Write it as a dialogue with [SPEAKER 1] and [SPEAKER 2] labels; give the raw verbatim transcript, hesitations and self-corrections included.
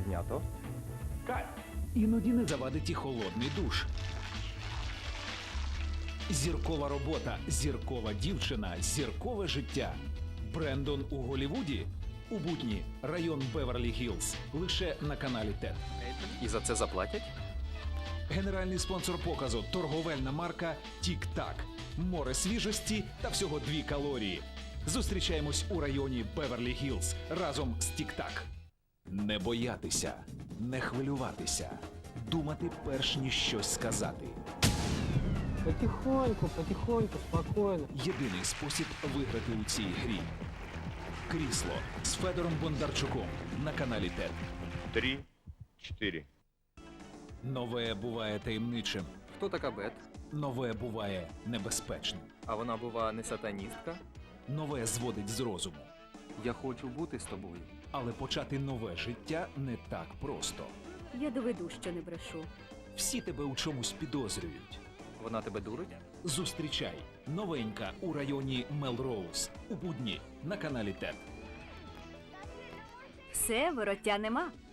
[SPEAKER 1] Знято.
[SPEAKER 2] Кайф! Іноді не завадить і холодний душ. Зіркова робота, зіркова дівчина, зіркове життя. Брендон у Голлівуді? У будні. Район Беверлі-Гіллз. Лише на каналі ТЕД.
[SPEAKER 1] І за це заплатять?
[SPEAKER 2] Генеральний спонсор показу – торговельна марка «Тік-Так». Море свіжості та всього дві калорії. Зустрічаємось у районі Беверлі-Гіллз разом з «Тік-Так». Не боятися, не хвилюватися, думати перш ніж щось сказати.
[SPEAKER 3] Потихоньку, потихоньку, спокойно.
[SPEAKER 2] Єдиний спосіб виграти у цій грі. Крісло з Федором Бондарчуком на каналі ТЕД.
[SPEAKER 4] Три, четыре.
[SPEAKER 2] Нове буває таємничим,
[SPEAKER 1] Хто така Бет?
[SPEAKER 2] нове буває небезпечним,
[SPEAKER 1] А вона, бува, не сатаністка?
[SPEAKER 2] нове зводить з розуму.
[SPEAKER 1] Я хочу бути з тобою.
[SPEAKER 2] Але почати нове життя не так просто.
[SPEAKER 5] Я доведу, що не брешу.
[SPEAKER 2] Всі тебе у чомусь підозрюють.
[SPEAKER 1] Вона тебе дурить?
[SPEAKER 2] Зустрічай. Новенька у районі Мелроуз. У будні на каналі ТЕД.
[SPEAKER 5] Все, вороття нема.